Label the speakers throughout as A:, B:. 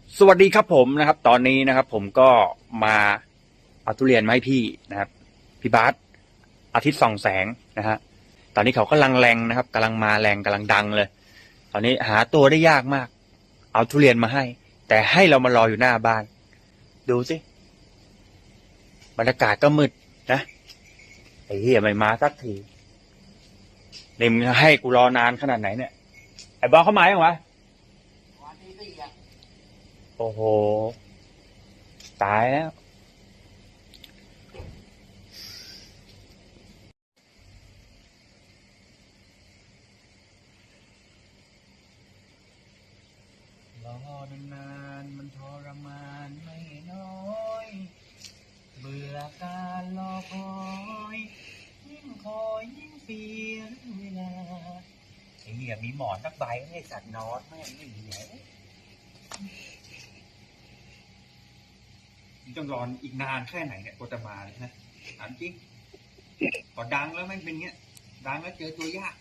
A: สวัสดีครับผมนะครับตอนนี้นะครับผมก็มาเอาทุเรียนมาให้พี่นะครับพี่บาสอาทิตย์ส่องแสงนะฮะตอนนี้เขากำลังแรงนะครับกำลังมาแรงกำลังดังเลยตอนนี้หาตัวได้ยากมากเอาทุเรียนมาให้แต่ให้เรามารออยู่หน้าบ้านดูสิบรรยากาศก็มืดนะไอ้เหี้ยไม่มาสักทีนี่มึงให้กูรอนานขนาดไหนเนี่ยไอ้บอสเข้ามายังวะโอ้โหตายแล้วรอนานๆมันทรมานไม่น้อยเบื่อการรอคอยยิ่งคอยยิ่งเสียเวลาไอ้เนี่ยมีหมอนสักใบให้สัตว์นอนแม่งไม่เหลือต้องรออีกนานแค่ไหนเนี่ยกว่าจะมาเลยนะถามจริงพอดังแล้วแม่งเป็นเงี้ยดังแล้วเจอตัวยาก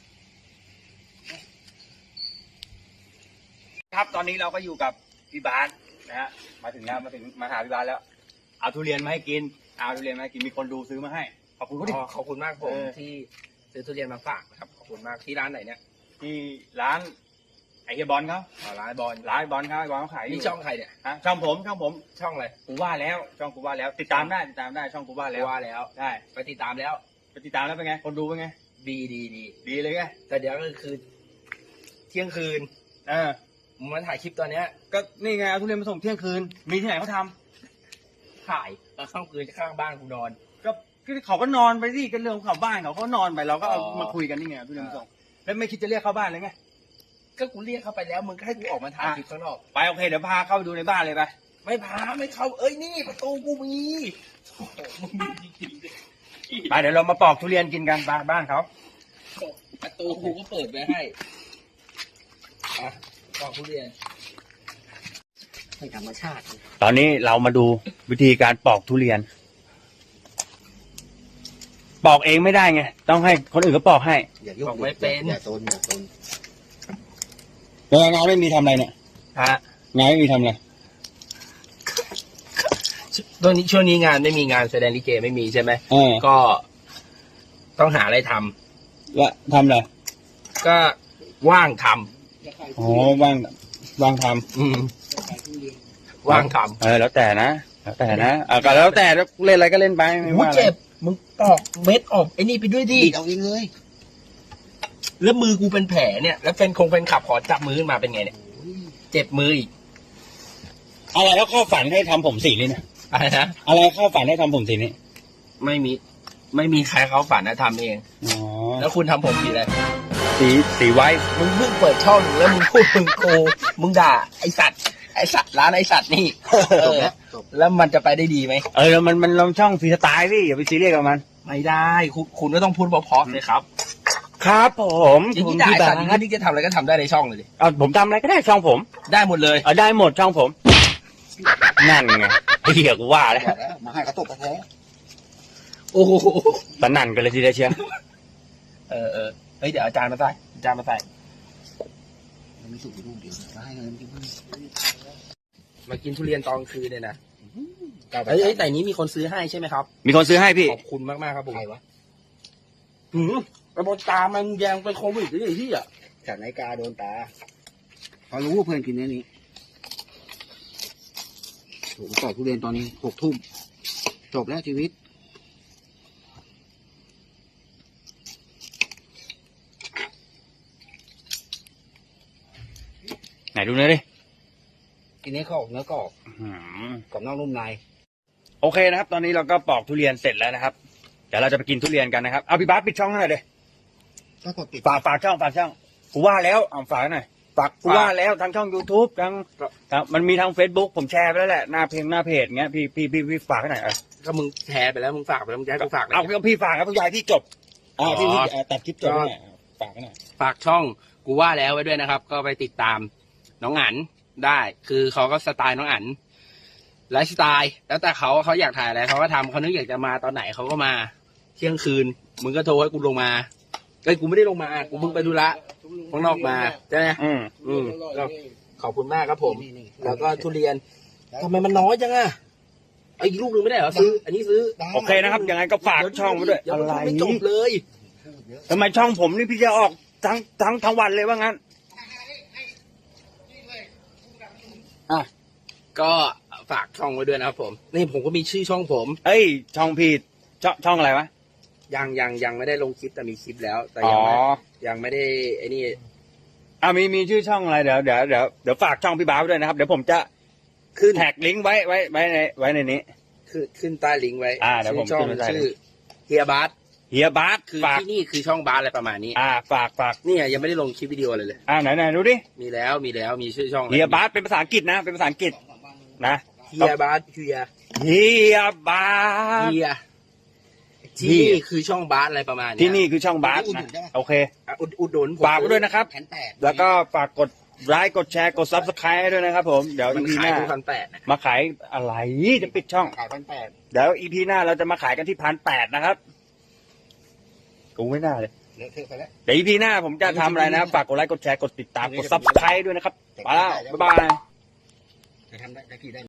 A: ครับตอนนี้เราก็อยู่กับพี่บาสนะฮะมาถึงแล้วมาหาพี่บาสแล้วเอาทุเรียนมาให้กินเอาทุเรียนมาให้กินมีคนดูซื้อมาให้ขอบคุณเขาดิ
B: ขอบคุณมากผมที่ซื้อทุเรียนมาฝากนะครับขอบคุณมากที่ร้านไหนเนี่ย
A: ที่ร้านไอเฮียบอลเขา
B: ร้านบอล
A: ร้านบอลเขาไอบอลเขาขายอยู่
B: นี่ช่องใครเนี่ย
A: ฮะช่องผม
B: ช่องอะไร
A: กูว่าแล้วช่องกูว่าแล้วติดตามได้ช่องกูว่าแล้ว
B: ว่าแล้ว
A: ได้
B: ไปติดตามแล้ว
A: ไปติดตามแล้วเป็นไงคนดูเป็นไง
B: ดี
A: เลยไง
B: แต่เดี๋ยวก็คือเที่ยงคืน
A: เออ
B: มึงมาถ่ายคลิปตอนเนี้ย
A: ก็นี่ไงเอาทุเรียนมาส่งเที่ยงคืนมีที่ไหนเขาทำ
B: ถ่ายแล้วข้างคืนข้างบ้านกูนอน
A: ก็เขาก็นอนไปสิก็เรื่องของเขาบ้านเขานอนไปเราก็เอา
B: อ๋อ
A: มาคุยกันนี่ไงทุเรียนมาส่งแล้วไม่คิดจะเรียกเข้าบ้านเลยไง
B: ก็กูเรียกเข้าไปแล้วมึงก็ให้กูออกมาถ่ายคลิปข้างนอก
A: ไปโอเคเดี๋ยวพาเข้าไปดูในบ้านเลยไป
B: ไม่พาไม่เข้าเอ้ยนี่ประตูกูมีโอ้โหมึงมีจริง
A: ไปเดี๋ยวเรามาปอกทุเรียนกินกันบ้านเขา
B: ๆประตูกูก็เปิดไว้ให้อ่ะบอกทุเรียนให้ธรรมชาติ
A: ตอนนี้เรามาดูวิธีการปอกทุเรียน ปอกเองไม่ได้ไงต้องให้คนอื่นเขาปอกให้
C: อย่ายุ่ง
B: บอกไม่เป็น
C: อย่าโซน
A: งานไม่มีทำอะไรเนี่ย
B: ฮะ
A: งานไม่มีทำอะไร
B: ตอนนี้ช่วงนี้งานไม่มีงานแสดงลิเกไม่มีใช่ไหม
A: เออ
B: ก็ต้องหาอะไรทำ
A: แล้วทำอะไร
B: ก็ว่างท
A: อ๋อว่างท
B: ำว่างท
A: แล้วแต่นะก็แล้วแต่เล่นอะไรก็เล่นไป
B: ำ
A: ไม่
B: หู
A: ว่าอะไร
B: เจ็บมึงปอกเม็ดออกไอ้นี่ไปด้วยดิ
C: ดีดเอาเองเลย
B: แล้วมือกูเป็นแผลเนี่ย แล้วเป็นขับขอจับมือขึ้นมาเป็นไงเนี่ยเจ็บมืออีก
A: อะไรแล้วเข้าฝันให้ทำผมสีนี่นะ
B: อะไรนะ
A: อะไรเข้าฝันให้ทำผมสีนี่
B: ไม่มีใครเขาฝันนะทำเอง
A: อ๋อ
B: แล้วคุณทำผมสีอะไร
A: สีไว้
B: มึงเพิ่งเปิดช่องแล้วมึงพูดมึงด่าไอสัตว์ร้านไอสัตว์นี่
C: จบแล้วจบ
B: แล้วมันจะไปได้ดีไหม
A: แล้วมันลงช่องฟรีสไตล์พี่อย่าไปซีเรียสกับมัน
B: ไม่ได้คุณก็ต้องพูดเพราะๆเลยครับ
A: ครับผม
B: อย่างนี้ได้สัตว์อย่างนี้จะทำอะไรก็ทำได้ในช่องเลยดิ
A: ผมทำอะไรก็ได้ช่องผม
B: ได้หมดเลย
A: ได้หมดช่องผม นั่นไงไอ้เหี้ยกูว่าแล้ว
C: บอกแล้วมาให้เขาตบกระแท้
B: โอ้โห
A: สนั่นกันเลยทีเดียวเชียว
B: เฮ้ยเดี๋ยวอาจารย์มาใส่
C: มันไม่สุกอยู่ลูกเดียวมาให้เงินกิน
B: มากินทุเรียนตอนกลางคืนเนี่ยนะเฮ้ยแต่นี้มีคนซื้อให้ใช่ไหมครับ
A: มีคนซื้อให้พี่
B: ขอบคุณมากๆครับผม
C: ใครวะ
B: กระบอกตามันแยงเป็นโควิดหรือไอ้ที่อ่ะ
C: จากนาฬิกาโดนตาเขารู้ว่าเพื่อนกินเนื้อนี้ถูกปอกทุเรียนตอนนี้6 ทุ่มจบแล้วชีวิต
A: ไหนดูหน่อยดิ
C: กินเนื้อกรอบกรอบนอกนุ่มใน
A: โอเคนะครับ ตอนนี้เราก็ปอกทุเรียนเสร็จแล้วนะครับ เดี๋ยวเราจะไปกินทุเรียนกันนะครับ เอาพี่บาสปิดช่องให้หน่อยเลย
C: ก็กดปิด
A: ฝากช่องกูว่าแล้วเอาฝากหน่อยกูว่าแล้วทั้งช่อง YouTube ทั้งมันมีทาง Facebook ผมแชร์ไปแล้วแหละหน้าเพจเงี้ยพี่ฝากให้หน่อย
B: ก็มึงแชร์ไปแล้วมึงฝากไปแล้วมึงจะให้กูฝากเลย
A: เอาพี่ฝากครับพี่ยายพี่จบพี่ตัดคลิปจบให้หน่อยฝากให้หน่อย
B: ฝากช่องกูว่าแล้วไว้ด้วยนะครับ ก็ไปติดตามน้องอั๋นได้ คือเขาก็สไตล์น้องอั๋นไลฟ์สไตล์แล้วแต่เขาอยากถ่ายอะไรเขาก็ทำเขานึกอยากจะมาตอนไหนเขาก็มาเที่ยงคืนมึงก็โทรให้กูลงมากูไม่ได้ลงมากูเพิ่งไปธุระข้างนอกมาใช่ไหมก็ขอบคุณมากครับผม
C: นี่
B: แล้วก็ทุเรียนทำไมมันน้อยจังอะไอ้อีกลูกหนึ่งไม่ได้เหรอซื้อ อันนี้ซื้อ
A: โอเคนะครับยังไงก็ฝากช่องไว้ด้วย
B: เดี๋ยว
A: อะไร
B: ไม่จบเลย
A: ทำไมช่องผมนี่พี่จะออกทั้งวันเลยว่างั้น
B: ก็ฝากช่องไว้ด้วยนะครับผม นี่ผมก็มีชื่อช่องผม
A: เอ้ยช่องพี่ช่องอะไรวะ
B: ยังไม่ได้ลงคลิปแต่มีคลิปแล้ว แต่
A: อ๋อ
B: ยังไม่ได้ไอ้นี่
A: มีชื่อช่องอะไรเดี๋ยวฝากช่องพี่บ้าสไว้ด้วยนะครับเดี๋ยวผมจะ
B: ขึ้น
A: แท็กลิงก์ไว้ในนี้
B: ขึ้นใต้ลิงก์ไว้
A: เดี๋ยวผม
B: ช่อง
A: ขึ้นไว้ใต้ลิงก์
B: ชื่อเฮียบาส
A: เฮียบาส
B: คือ
A: ฝาก
B: ที่นี่คือช่องบาสอะไรประมาณนี้
A: ฝาก
B: เนี่ยยังไม่ได้ลงคลิปวิดีโอเลย
A: ไหนดูดิ
B: มีแล้วมีชื่อช่อง
A: เฮียบาสเป็นภาษาอังกฤษนะเป็นภาษาอังกฤษนะ
B: เฮียบาสเฮีย
A: เฮียบาส
B: เฮียที่นี่คือช่องบาสอะไรประมาณเนี้ย
A: ที่นี่คือช่องบาสนะโอเค
B: อุดหนุนผม
A: ฝากไว้ด้วยนะครับ
C: 1,800
A: แล้วก็ฝากกดไลค์กดแชร์กด Subscribe ด้วยนะครับผมเดี๋ยว
B: มัน
A: EP
B: ขา
A: ห
B: ย
A: น้า
B: ที่1,800นะ
A: มาขายอะไรจะปิดช่อง
C: ขาย1,800
A: เดี๋ยว EP หน้าเราจะมาขายกันที่1,800นะครับกูไม่น่าเลย
C: เลอะเทอะไปแล้ว
A: เดี๋ยว EP หน้าผมจะทำอะไรนะครับฝากกดไลค์กดแชร์กดติดตามกด Subscribe ด้วยนะครับไปแล้วบ๊ายบาย
C: จะทำได้กี่ได้